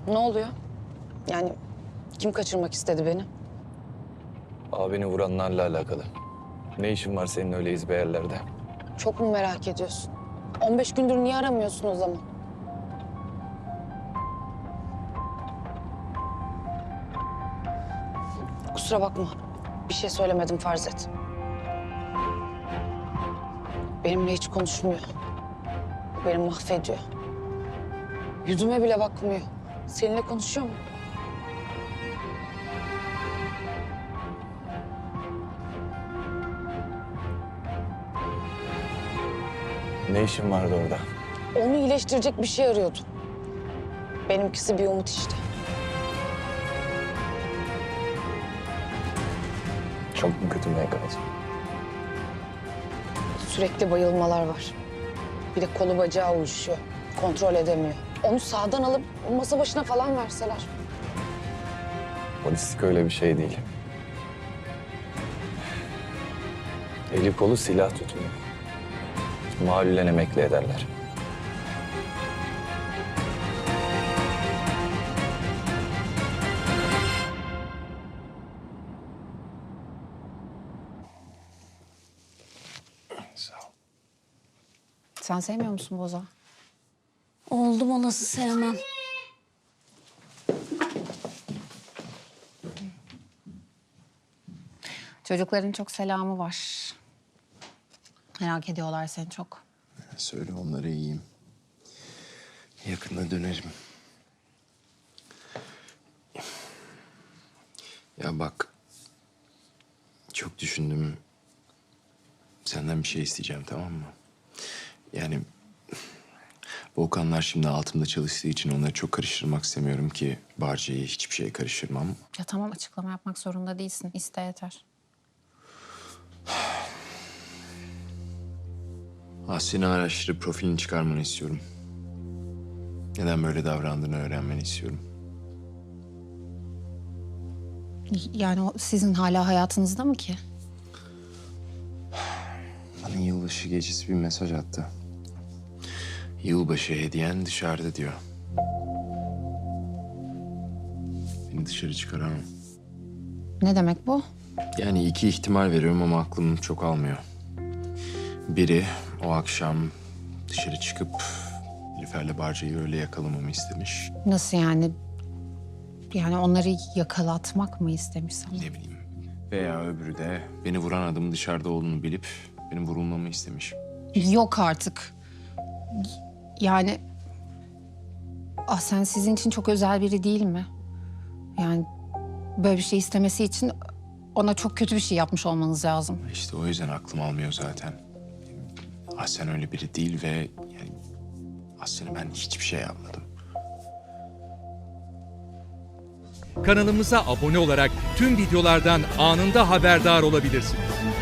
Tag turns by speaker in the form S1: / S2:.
S1: Ne oluyor? Yani kim kaçırmak istedi beni?
S2: Abini vuranlarla alakalı. Ne işin var senin öyle izbe yerlerde?
S1: Çok mu merak ediyorsun? 15 gündür niye aramıyorsun o zaman? Kusura bakma. Bir şey söylemedim farz et. Benimle hiç konuşmuyor. Beni mahvediyor. Yüzüme bile bakmıyor. Seninle konuşuyor mu?
S2: Ne işin vardı orada?
S1: Onu iyileştirecek bir şey arıyordum. Benimkisi bir umut işte.
S2: Çok mu kötü MKC?
S1: Sürekli bayılmalar var. Bir de kolu bacağı uyuşuyor. Kontrol edemiyor. Onu sağdan alıp masa başına falan verseler.
S2: Polislik öyle bir şey değil. Eli kolu silah tutmuyor. Mahallen emekli ederler. Sağ ol.
S1: Sen sevmiyor musun Boza?
S3: Oldum olası sevmem.
S1: Çocukların çok selamı var. Merak ediyorlar seni çok.
S4: Söyle onlara iyiyim. Yakında dönerim. Ya bak. Çok düşündüm. Senden bir şey isteyeceğim, tamam mı? Yani Volkanlar şimdi altımda çalıştığı için onları çok karıştırmak istemiyorum ki Barca'yı hiçbir şeye karıştırmam.
S1: Ya tamam, açıklama yapmak zorunda değilsin. İste yeter.
S4: Aslı'nı araştırıp profilini çıkarmanı istiyorum. Neden böyle davrandığını öğrenmeni istiyorum.
S1: Yani o sizin hala hayatınızda mı ki?
S4: Bana yılbaşı gecesi bir mesaj attı. Yılbaşı hediyen dışarıda diyor. Beni dışarı çıkaramam.
S1: Ne demek bu?
S4: Yani iki ihtimal veriyorum ama aklım çok almıyor. Biri o akşam dışarı çıkıp Nilüfer'le Barca'yı öyle yakalamamı istemiş.
S1: Nasıl yani? Yani onları yakalatmak mı istemiş sana?
S4: Ne bileyim. Veya öbürü de beni vuran adamın dışarıda olduğunu bilip benim vurulmamı istemiş.
S1: Yok artık. Yani... Sen sizin için çok özel biri değil mi? Yani böyle bir şey istemesi için ona çok kötü bir şey yapmış olmanız lazım.
S4: İşte o yüzden aklım almıyor zaten. Ahsen öyle biri değil ve yani Ahsen'e ben hiçbir şey yapmadım.
S5: Kanalımıza abone olarak tüm videolardan anında haberdar olabilirsiniz.